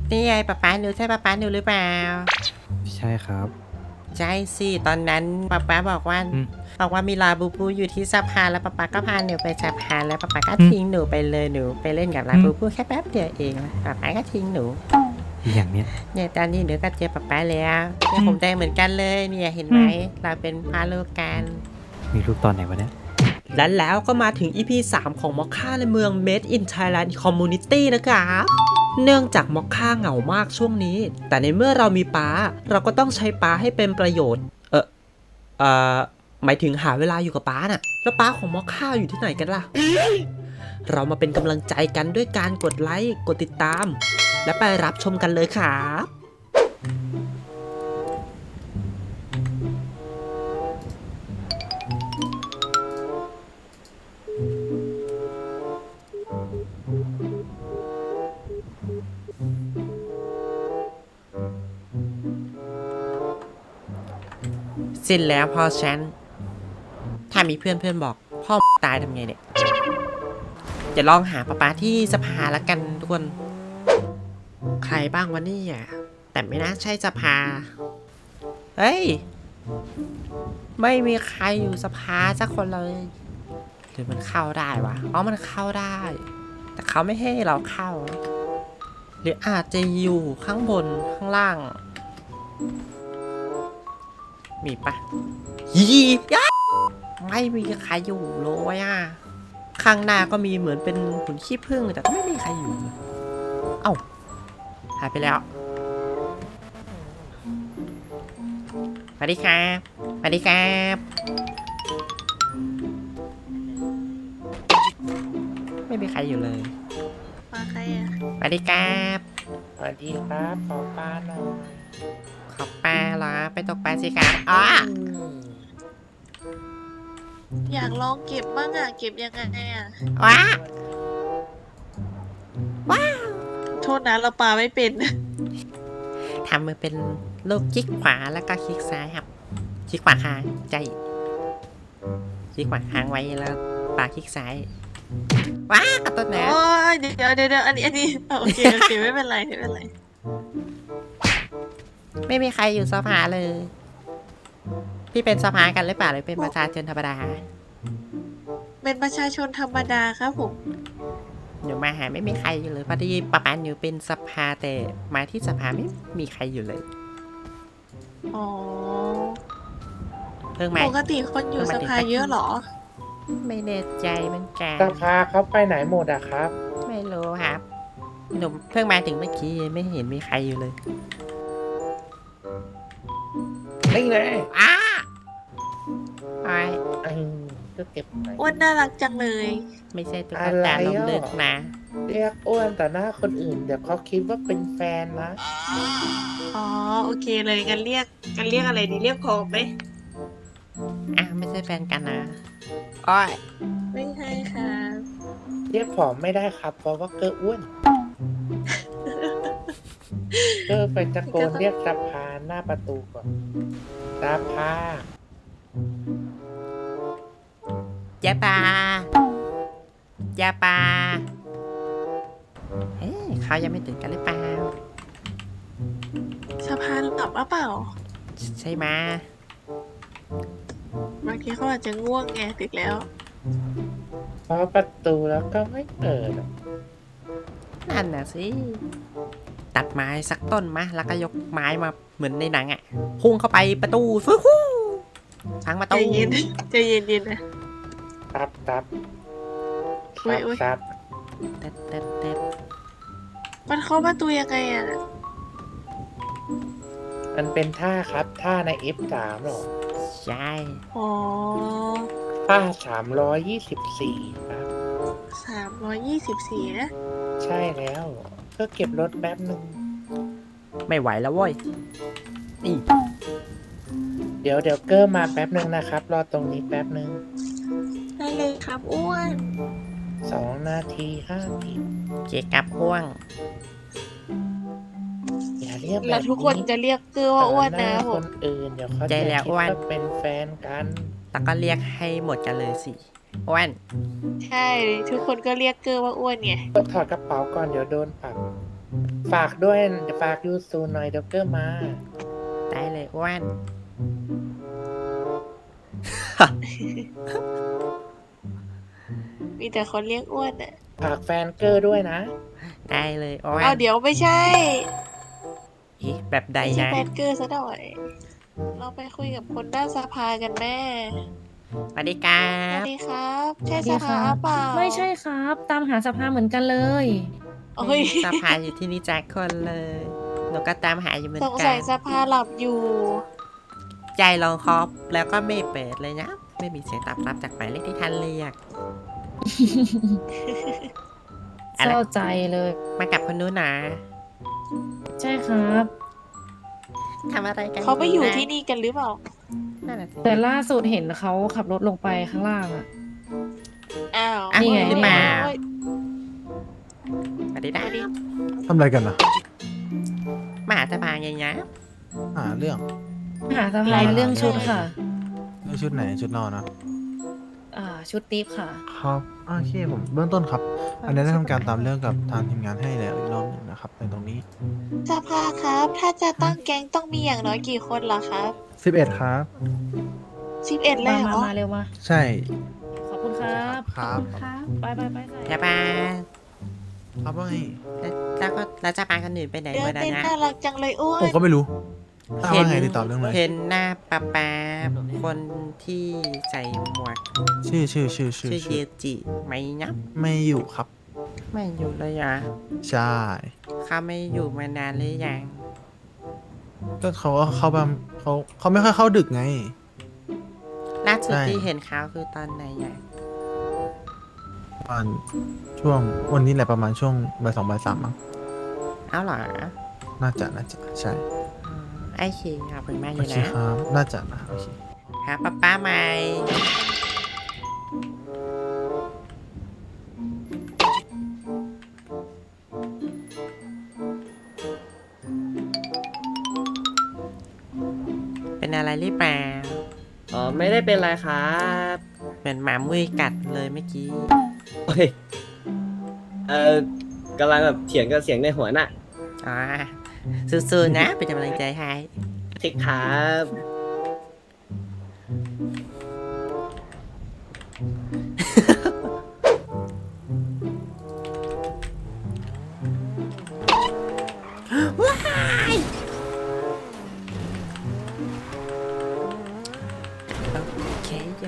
นี่ไงป๊าหนูใช่ป๊าหนูหรือเปล่าใช่ครับใช่สิตอนนั้นป๊าบอกว่าอืมมีลาบูบูอยู่ที่สะพานแล้วป๊าก็พาหนูไปสะพานแล้วป๊าก็อืมทิ้งหนูไปเลยหนูไปเล่นกับลาบูบูแค่แป๊บเดียวเองป๊าก็ทิ้งหนูอย่างเนี้ยเนี่ยตอนนี้หนูก็เจอป๊าแล้วเนี่ยผมแดงเหมือนกันเลยเนี่ยเห็นไหมเราเป็นพาลูกกันมีลูกตอนไหนวะเนี่ยและแล้วก็มาถึง EP 3 ของมอคค่าในเมือง Made in Thailand Community นะครับเนื่องจากมอคค่าเหงามากช่วงนี้ แต่ในเมื่อเรามีป้าเราก็ต้องใช้ป้าให้เป็นประโยชน์เอ่อหมายถึงหาเวลาอยู่กับป้าน่ะแล้วป้าของมอคค่าอยู่ที่ไหนกันล่ะ เรามาเป็นกำลังใจกันด้วยการกดไลค์กดติดตาม และไปรับชมกันเลยครับสิ้นแล้วพ่อฉันถ้ามีเพื่อนบอกพ่อตายทำไงเนี่ยจะลองหาป๊าที่สภาละกันทุกคนใครบ้างวะนี่อ่ะแต่ไม่น่าใช่สภาเฮ้ยไม่มีใครอยู่สภาสักคนเลยหรือมันเข้าได้วะอ๋อมันเข้าได้ แต่เขาไม่ให้เราเข้าหรืออาจจะอยู่ข้างบนข้างล่างมีปะยียะไม่มีใครอยู่เลยอ่ะข้างหน้าก็มีเหมือนเป็นหุ่นขี้ผึ้งแต่ก็ไม่มีใครอยู่เลยเอ้าหายไปแล้วสวัสดีครับสวัสดีครับไม่มีใครอยู่เลยมาใครอ่ะสวัสดีครับสวัสดีครับขอปลาหน่อยขอปลาเหรอไปตกปลาสิครับอ๋ออยากลองเก็บบ้างอ่ะ เก็บยังไงอ่ะว้าโทษนะเราปาไม่เป็นทำมือเป็นลูกคลิกขวาแล้วก็คลิกซ้ายครับคลิกขวาค้างใจคลิกขวาค้างไว้แล้วปาคลิกซ้ายว้ากระตุ้นนะโอ้ยเดี๋ยวอันนี้โอเคไม่เป็นไรไม่เป็นไรไม่มีใครอยู่สภาเลย พี่เป็นสภากันหรือเปล่าหรือเป็นประชาชนธรรมดาเป็นประชาชนธรรมดาครับผมหนูมาหาไม่มีใครอยู่เลยพอดีป้าหนูเป็นสภาแต่มาที่สภาไม่มีใครอยู่เลยอ๋อเพิ่งมาปกติคนอยู่สภาเยอะเหรอไม่แน่ใจเหมือนกันสภาเขาไปไหนหมดอะครับไม่รู้ครับหนูเพิ่งมาถึงเมื่อกี้ไม่เห็นมีใครอยู่เลยนี่ไงอ้าไอก็เก็บไปอ้วนน่ารักจังเลยไม่ใช่ตุ๊กอะไรตาลอ่ะมลึกนะเรียกอ้วนต่อหน้าคนอื่น เดี๋ยวเขาคิดว่าเป็นแฟนนะอ๋อโอเคเลยกันเรียกอะไรดีเรียกพอไหมไม่ใช่แฟนกันนะอ้อยไม่ใช่ค่ะเรียกผอมไม่ได้ครับ เพราะว่าเกออ้วน เกอไปตะโกนเรียกสภาหน้าประตูก่อนสภาเจ๊ปาเจ๊ปาเฮ้ยเขายังไม่ตื่นกันหรือเปล่าสภาหลับหรือเปล่าใช่ไหมะบางทีเขาอาจจะง่วงไงดึกแล้วเพราะประตูแล้วก็ไม่เปิดอะนั่นน่ะสิ ตัดไม้สักต้นมะแล้วก็ยกไม้มาเหมือนในหนังพุ่งเข้าไปประตูฟูฮู้พังประใจตูเย็น ใจเย็นนะตับอุ๊ยตับเต็ดเต็ดเต็ดมันเข้าประตูยังไงอ่ะมันเป็นท่าครับ ท่าใน F3 หรอใช่อ๋อท่า324ครับ 324นะใช่แล้วก็เก็บรถแป๊บหนึ่งไม่ไหวแล้วเว้ยนี่เดี๋ยวเกอร์มาแป๊บหนึ่งนะครับ รอตรงนี้แป๊บหนึ่งได้เลยครับอ้วน 2 นาที5 ทีเจ๊กับพ่วงอย่าเรียกแบบแล้วทุกคนจะเรียกเกอว่าอ้วนนะต่อหผคมนอื่นเดี๋ยวเขาใจจะแล้วคิดอ้วนว่าเป็นแฟนกันแล้วก็เรียกให้หมดกันเลยสิอ้วนใช่ ทุกคนก็เรียกเกอว่าอ้วนไงก็ถอดกระเป๋าก่อนเดี๋ยวโดนปรับฝากด้วยเดี๋ยวฝากยูซูหน่อยเดี๋ยวเกอร์มาได้เลยอ้วนมีแต่คนเรียกอ้วนอ่ะฝากแฟนเกอร์ด้วยนะได้เลยอ้วนเอาเดี๋ยวไม่ใช่อีแบบใดไม่ใช่นะแฟนเกอร์ซะหน่อย เราไปคุยกับคนด้านสภากันแม่สวัสดีครัสวับสดีครับ ใช่สวัสสดีภาครับเปล่าไม่ใช่ครับ ตามหาสภาเหมือนกันเลยโอ้ยสภาอยู่ที่นี่แจ็คคนเลย หนูก็ตามหาอยู่เหมือนสงกัสัยนสภาหลับอยู่ใจลองคอปแล้วก็ไม่เปิดเลยนะ ไม่มีเสียงตอบรับจากหมายเลขที่ท่านเรียกเศร้าใจเลยมากับคนนู้นนะใช่ครับทำอะไรกันเขาไปอยู่นะที่นี่กันหรือเปล่านั่นน่ะสิแต่ล่าสุดเห็นเขาขับรถลงไปข้างล่างอะอ้าวอ่ะนี่ไงหรือเปล่าโอ้ยสวัสดีนะสวัสดีทำอะไรกันนะมาหาสภาไงนะหาเรื่องหาสภาเรื่องชุดค่ะเรื่องชุดไหนชุดนอนนะชุดติ๊บค่ะครับโอเคผมเบื้องต้นครับ อันนี้ได้ทำการตามเรื่องกับทางทีมงานให้แล้วอีกรอบหนึ่งนะครับในตรงนี้สภาครับ ถ้าจะตั้งแก๊งต้องมีอย่างน้อยกี่คนเหรอครับ 11 ครับ 11เลยเหรอมาเร็วมาใช่ขอบคุณครับครับไปใส่สภาครับว่าไงแล้วก็แล้วสภาคนอื่นไปไหนเดิหมนดแล้วเต้นนะน่ารักจังเลยอ้วผมนก็ไม่รู้ถ้าว่าไงติดต่อเรื่องเลยเห็นหน้าป้าคนที่ใส่หมวกชื่อชื่อเยจิไหมนะไม่อยู่ครับไม่อยู่เลยอ่ะใช่เขาไม่อยู่มานานหรือยังก็เขาก็เข้าบ้านเขาไม่ค่อยเข้าดึกไงล่าสุดใช่ที่เห็นเขาคือตอนไหนอ่ะประมาณช่วงวันนี้แหละประมาณช่วงบ่าย2บ่าย3มั้งเอาเหรอน่าจะใช่อืมไอ้คิงขอบคุณมากเลโอย เคนะครับน่าจะนะโอเคครับป้าใหม่เป็นอะไรหรือเปล่าอ๋อไม่ได้เป็นไรครับเหมือนหมามุ้ยกัดเลยเมื่อกี้โอ้ยกำลังแบบเถียงกับเสียงในหัวน่ะอ๋อสู้ๆนะ เป็นกำลังใจให้ทิกครับโอเคโย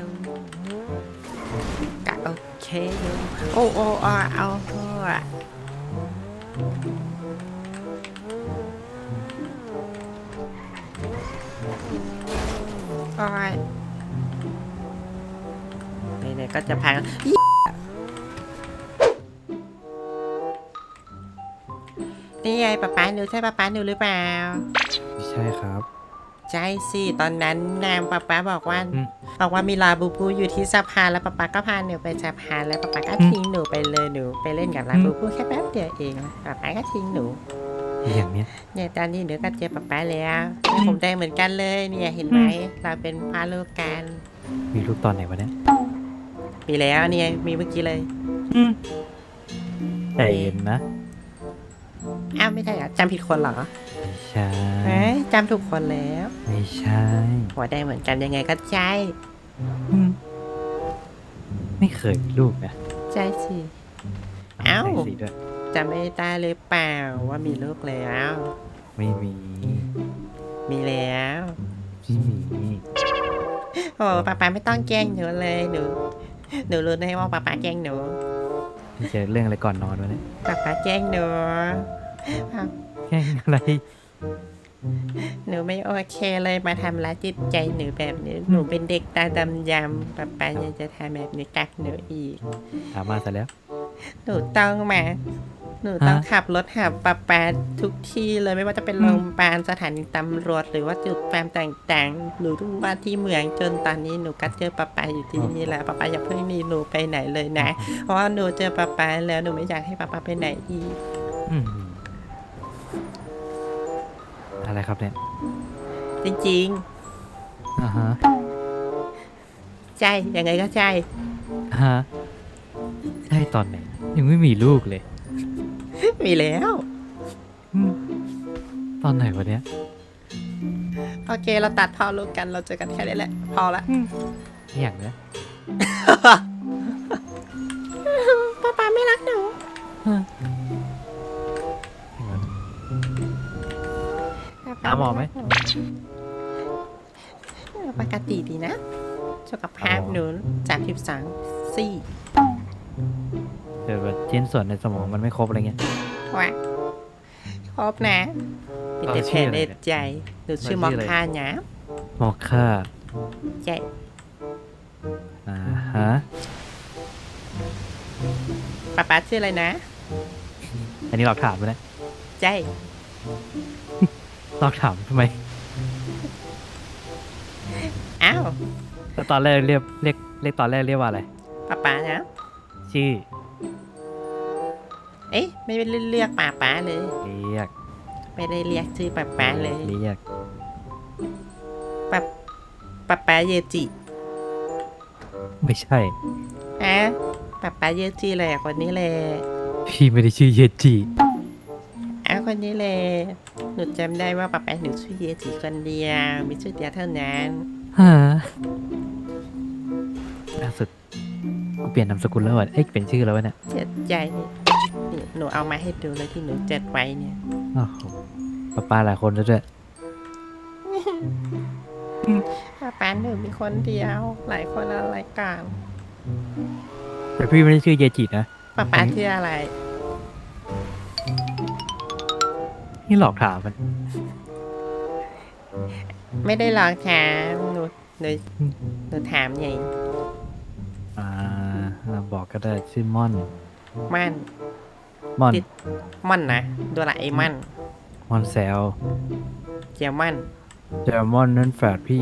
กะโอเคโยโอ้เอาอะโอ้ยไหนๆก็จะพังนี่ไงป๊าหนูใช่ป๊าหนูหรือเปล่าใช่ครับใช่สิตอนนั้นนางป๊าบอกว่าอืมบอกว่ามีลาบูบูอยู่ที่สะพานแล้วป๊าก็พาหนูไปสะพานแล้วป๊าก็ทิ้งหนูไปเลยหนูไปเล่นกับลาบูบูแค่แป๊บเดียวเองป๊าก็ทิ้งหนูอย่างเนี้ยเนี่ยตอนนี้หนูก็เจอป๊าแล้วเนี่ยผมแดงเหมือนกันเลยเนี่ยเห็นไหมเราเป็นพาลูกกันมีลูกตอนไหนวะเนี่ยมีแล้วเนี่ยมีเมื่อกี้เลยใจเย็นนะอ้าวไม่ได้เหรอจำผิดคนเหรอไม่ใช่เอ้ยจำถูกคนแล้วไม่ใช่หัวแดงเหมือนกันยังไงก็ใช่อืมไม่เคยมีลูกนะใช่สิ เอ้าใช่สิด้วยจะไม่ได้เลยเปล่าว่ามีลูกแล้วไม่มีมีแล้วไม่มีโอ้ป๊าไม่ต้องแกล้งหนูเลยหนูรู้ได้ว่าป๊าแกล้งหนูพี่เจอเรื่องอะไรก่อนนอนวะเนี่ยป๊าแกล้งหนูแค่อะไรหนูไม่โอเคเลยมาทำร้ายจิตใจหนูแบบนี้หนูเป็นเด็กตาดำยำป๊ายังจะทำแบบนี้กับหนูอีกถามมาซะแล้วหนูต้องขับรถหาป๊าทุกที่เลยไม่ว่าจะเป็นโรงพยาบาลสถานีตำรวจหรือว่าจุดแฟมต่างๆหรือทุกว่าที่เมืองจนตอนนี้หนูก็เจอป๊าอยู่ที่นี่แล้วป๊าอย่าเพิ่งหนีหนูไปไหนเลยนะ เพราะว่าหนูเจอป๊าแล้วหนูไม่อยากให้ป๊าไปไหนอีกอืมอะไรครับเนี่ยจริงอ่าฮะๆใช่ยังไงก็ใช่ฮะใช่ตอนไหน ยังไม่มีลูกเลยมีแล้วมตอนไหนวะเนี้ยโอเคเราตัดพอรู้กันเราเจอกันแค่นี้แหละ พอละไม่อย่างเนี้ยป้าไม่รักหนูหาหมอไหมปกติดีนะสุขภาพหนู32ซี่เดี๋ยวแบบชิ้นส่วนในสมองมันไม่ครบอะไรเงี้ยว่ะครบนะมีแต่แผลในใจหนูชื่อมอคค่านะมอค่าใช่อ่าฮะป้าชื่ออะไรนะอันนี้หลอกถามไปนะใช่หลอกถามทำไมอ้าวแล้วตอนแรกเรียกตอนแรกเรียกว่าอะไรป้านะชื่อเอ๊ะไม่ได้เรียกป้าเลยเรียกไม่ได้เรียกชื่อป้าเลยเรียกป้าเยจิไม่ใช่อ่ะป้าเยจิเลยคนนี้เลยพี่ไม่ได้ชื่อเยจิอ้าวคนนี้เลยหนูจำได้ว่าป้าหนูชื่อเยจิคนเดียวมีชื่อเดียวเท่านั้นฮะล่าสุดกูเปลี่ยนนามสกุลแล้ววะเอ้ยเปลี่ยนชื่อแล้ววะเนี่ยเจ็ดใจนี่หนูเอามาให้ดูเลยที่หนูเจ็ดไว้เนี่ยโอ้โหป้าหลายคนแล้วด้วยป้าหนูมีคนเดียว หลายคนอะไรกันแต่พี่ไม่ได้ชื่อเยจินะป้าชื่ออะไรนี่หลอกถามมันไม่ได้หลอกถามหนูถามไงอ่าบอกก็ได้ชื่อม่อนมั่นม่อนติด มั่นนะตัวละไอ้มั่นม่อนแซวเจียวมั่นเจอม่อนนั่นแฝดพี่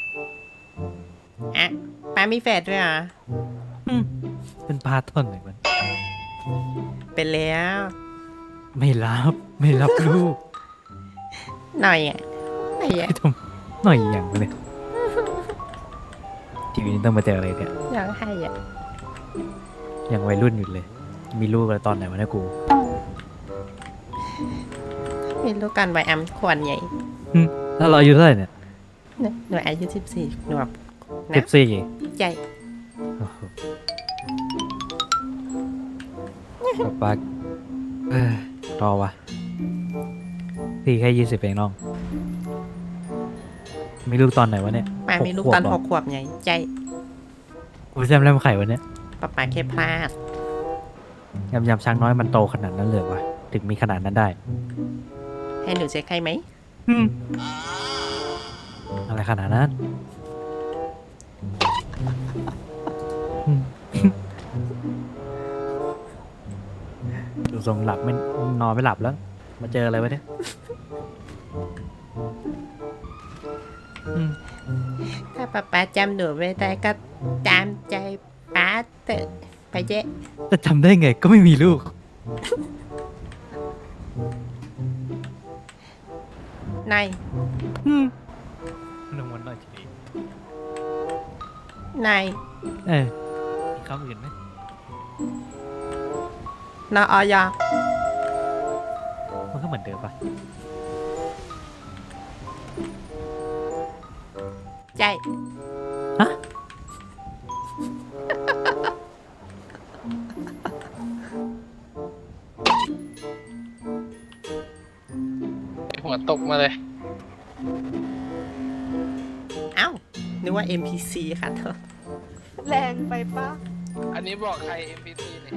อ่ะป้ามีแฟนด้วยเหรอเป็นพาท่อนไหนมันเป็นแล้วไม่รับลูกหน่อยอ่ะหน่อยอ่ะไม่ทำหน่อยอย่างเลยชีวิตนี้ต้องมาเจออะไรเนี่ยอยากให้อ่ะยังวัยรุ่นอยู่เลย มีลูกอะไรตอนไหนวะเนี่ยกูมีลูกกันไว้อัมควรใหญ่ถ้าเราอายุเท่าไหร่เนี่ยหนูอายุ14หนูแบบ 14 ใหญ่ป๊ารอวะพี่แค่20เองน้อง มีลูกตอนไหนวะเนี่ยป้ามีลูกตอน 6 6 ขวบใหญ่ใจกูแซมแรมไข่วะเนี่ยป้าแค่พลาดยำช้างน้อยมันโตขนาดนั้นเลยวะถึงมีขนาดนั้นได้ให้หนูเช็คให้ไหมอะไรขนาดนั้น ดูทรงหลับไม่นอนไม่หลับแล้ว มาเจออะไรวะเนี่ยถ้าป้าจำหนูไม่ได้ก็ตามใจป้าเถอะไปเจ๊แต่จำได้ไงก็ไม่มีลูกนายลงวันหน่อยทีนายมีคำอื่นไหมนออยมันก็เหมือนเดิมปะใจฮะหัวตกมาเลยเอ้านึกว่า NPC ค่ะเธอแรงไปปะอันนี้บอกใคร NPC เนี่ย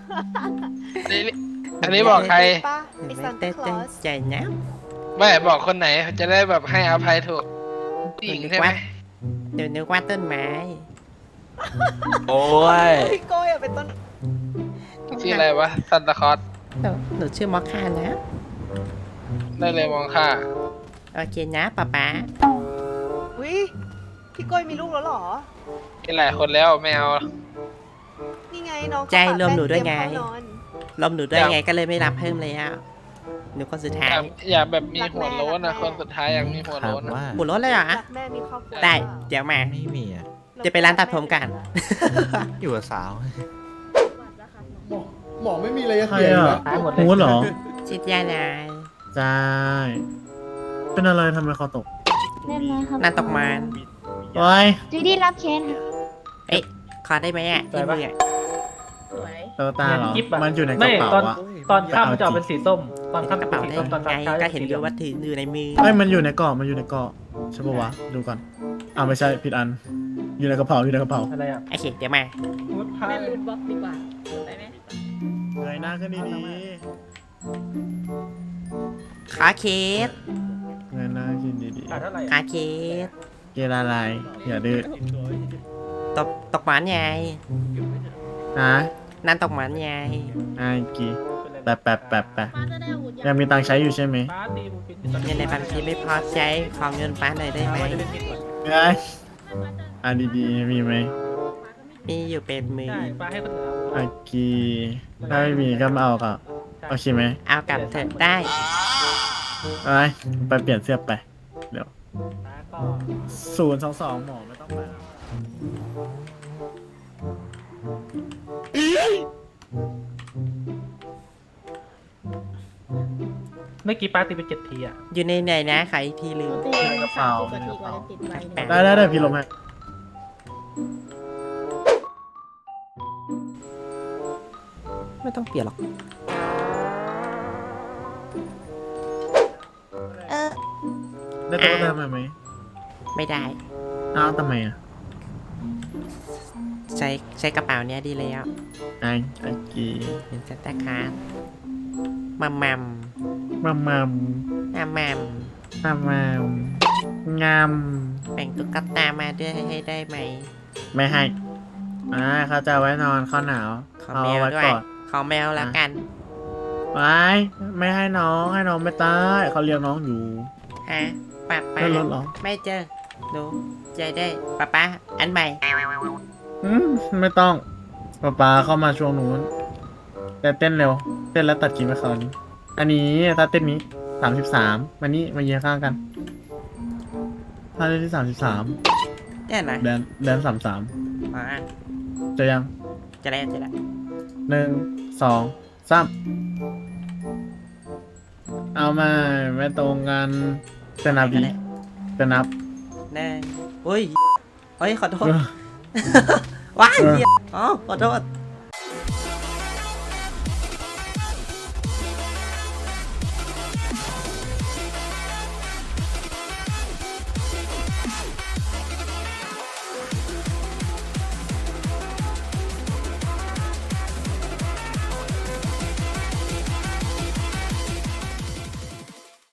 อันนี้บอกใครปะไอซันเต้ตาคลอสใจนะไม่บอกคนไหนจะได้แบบให้อภัยถูกผู้หญิงใช่ไหมเดี๋ยวนึกว่าต้นไม้โอ้ยพี่โก้ยอะเป็นต้นชื่ออะไรวะซันตาคลอสหนูชื่อมอคค่านะได้เลยมองค่าโอเคนะป้าอุ้ยพี่โก้ยมีลูกแล้วเหรอมีหลายคนแล้วไม่เอานี่ไงน้องใจรวมหนูด้วยไงเตรีมเข้านอนลมหนูด้วยไงก็เลยไม่รับเพิ่มเลยอ่ะหนูคนสุดท้ายอยากแบบมีหัวโล้นนะคนสุดท้ายอยากมีหัวถาโล้มนนะว่าบุรถเลยเหรอรักแม่มีครอบครัวได้หรือเปล่าเดี๋ยวมาไม่มีอ่ะจะไปร้านตัดผมกันอยู่กับสาวหมอไม่มีอะไรจะเสียอยู่แล้วชิดยานายสใช่เป็นอะไรทำไมคอตกเรียบร้อยครับนั่นตกมันโอ้ยจูดี้รับเคสค่ะเอ๊ะขอได้ไหมอ่ะที่มืออะเตอตาเหรอเงินกิ๊บอะมันอยู่ในกไม่ระเป๋าตอนอะตอนค่ำมันจะออกเป็นสีส้ม ตอนค่ำกจะระเป็นเป๋าสีได้ส้มตอนไงเช้าก็จะเห็นสีอเหลืยู่องว่าถืออยู่ในมือเอ้ยมันอยู่ในเกาะมันอยู่ในเกาะใช่ปะวะดูก่อนอ้าวไม่ใช่ผิดอัน อยู่ในกระเป๋าอยู่ในกระเป๋าอะไรอ่ะโอเคเดี๋ยวมาเล่นรูทบล็อกดีกว่าไปไหมเงยหน้าขึ้นดีขาเคสๆเงยหน้าขึ้นดีเท่าไหร่ขาเคสๆเกลอะไรอย่าดื้อตกมันไงนะนั่นตกมันไงไอ้กีแปะยังมีตังค์ใช้อยู่ใช่ไหมป้าตีบูปินเงินในบัญชีไม่พอใช้ของเงินป้าหน่อยได้ไหมไอ้อันดีๆมีไหมมีอยู่เป็นมือใช่ป้าให้คนอื่นไอ้กีถ้าไม่มีก็มาเอากับโอเคไหมเอากลับเถอะได้ไปเปลี่ยนเสื้อไปเดี๋ยวป้าก็ 022หมอไม่ต้องไปแล้วเมื่อกี้ป้าตีไป7 ทีอ่ะอยู่ในไหนนะขายอีกทีลืมกระเป๋าแปะได้พี่ลมให้ไม่ต้องเปลี่ยนหรอกเออได้ตัวเติมมาไหมไม่ได้อ้าวทำไมอ่ะใช้กระเป๋าเนี้ยดีแล้วไอ้กีเป็นซันตาคลาสมัมมัมมัมมัมมัมงามแบ่งตุ๊กตามาด้วยให้ได้ไหมไม่ให้เขาจะเอาไว้นอนเขาหนาวขอเอาแมวไว้ด้วยก่อนขอแมวแล้วกันไม่ให้น้องไม่ตายเขาเลี้ยงน้องอยู่ฮะป้าได้รถเหรอไม่เจอหนูใจได้ป้าอันใหม่ไม่ต้องป๊าเข้ามาช่วงนู้นแต่เต้นเร็ว เต้นแล้วตัดกินไปคราวนี้ อันนี้ถ้าเต้นนี้33มานี่มาเยียข้างกัน ถ้าเต้นที่33 เนี่ยนะแดน33 อ๋อจะยังจะแล้วจะแล้ว 1 2 3เอามาไม่ตรงกันจะนับดีจะนับหนึ่งอุ้ยเฮ้ยขอโทษว้ายเหี้ยอ๋อขอโทษ